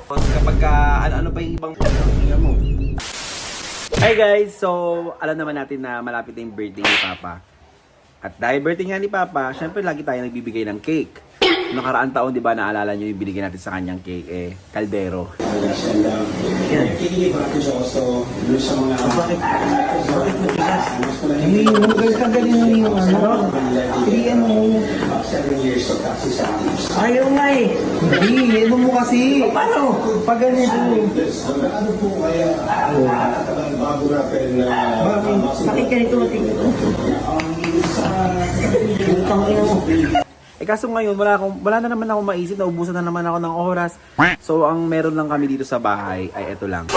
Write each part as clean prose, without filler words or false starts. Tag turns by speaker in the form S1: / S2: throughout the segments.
S1: Kapag ano-ano pa yung ibang mo. Hi guys! So, alam naman natin na malapit na yung birthday ni Papa. At dahil birthday nga ni Papa, syempre lagi tayo nagbibigay ng cake. Nakaraang taon, di ba, naalala nyo yung binigay natin sa kanyang cake, kaldero.
S2: Yan. Bakit matigas? Kagaling na yung ano? Ayaw nga eh. Hindi, ano mo kasi? Paano? Pag ganito.
S3: Ano po kaya bago natin
S2: Bakit ganito? Utang ina mo.
S1: Kaso ngayon, wala na naman ako maisip, naubusan na naman ako ng oras. So, ang meron lang kami dito sa bahay ay ito lang.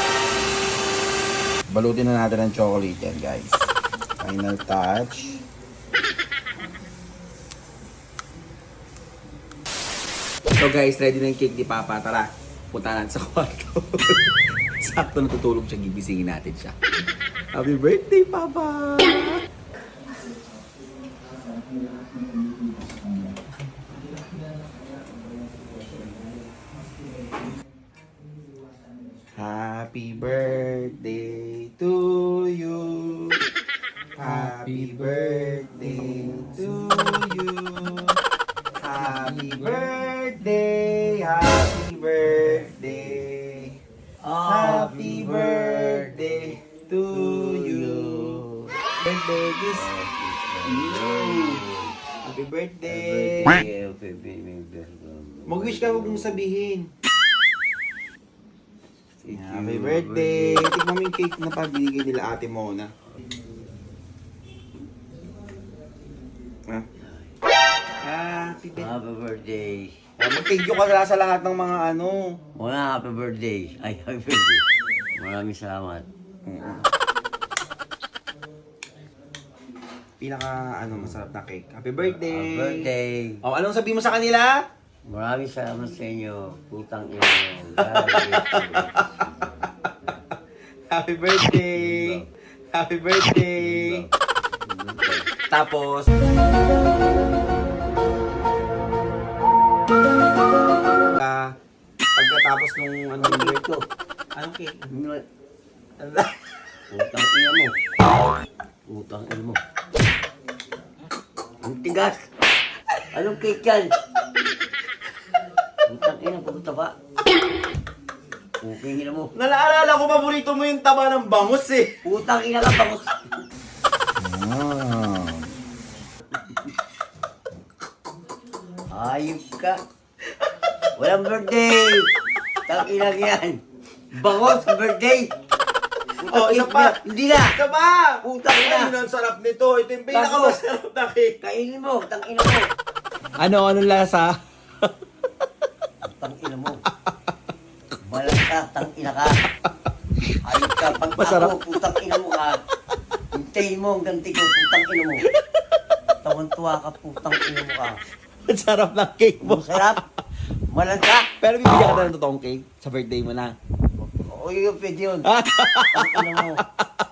S1: Balutin na natin ng chocolate yan, guys. Final touch. So guys, ready na yung cake ni Papa. Tara, punta natin sa kwarto. Sakto natutulog siya, gigisingin natin siya. Happy birthday, Papa! Happy birthday to you. Happy birthday to you. Happy birthday, happy birthday. Happy birthday to you. Birthday is you. Happy birthday. Mag-wish ka, huwag mong sabihin. Happy birthday! Tignan mo yung cake na pabinigay nila Ate Mona. Happy birthday!
S4: Happy birthday.
S1: Mag-thank you ka sa lahat ng mga ano.
S4: Muna, happy birthday. Ay, happy birthday. Maraming salamat.
S1: Pinaka masarap na cake. Happy birthday!
S4: Happy birthday.
S1: Oh, anong sabihin mo sa kanila?
S4: Maraming salamat sa inyo. Putang ina.
S1: Happy birthday! Happy birthday! Tapos, pagkatapos nung yung birthday ko, anong cake?
S4: Putang ina mo. Putang ina mo. Ang tigas. Anong cake yan? Putang ina, pagkataba. Putang ina mo.
S1: Nalaalala ko, paborito mo yung taba ng bangus eh.
S4: Putang ina ka, bangus. Ayop ka. Walang birthday. Tang-ina yan. Bangos, birthday.
S1: Oh, isa pa.
S4: Hindi na.
S1: Isa pa!
S4: Putang ina.
S1: Ay, ang sarap nito. Ito yung pinakamasarap na cake.
S4: Kainin mo, tang-ina mo.
S1: Anong lasa?
S4: Tang-ina mo. Balag ka, tang-ina ka. Ayop ka, pag
S1: Masarap.
S4: ako, putang-ina mo ka. Hintayin mo ang ganti ko, putang-ina mo. Tawan-tuwa ka, putang-ina mo ka.
S1: Ang sarap ng cake mo.
S4: Masarap. Malag ka.
S1: Pero bibigyan ka na ng totoong cake sa birthday mo na.
S4: O yun, pwede yun. Tang-ina mo.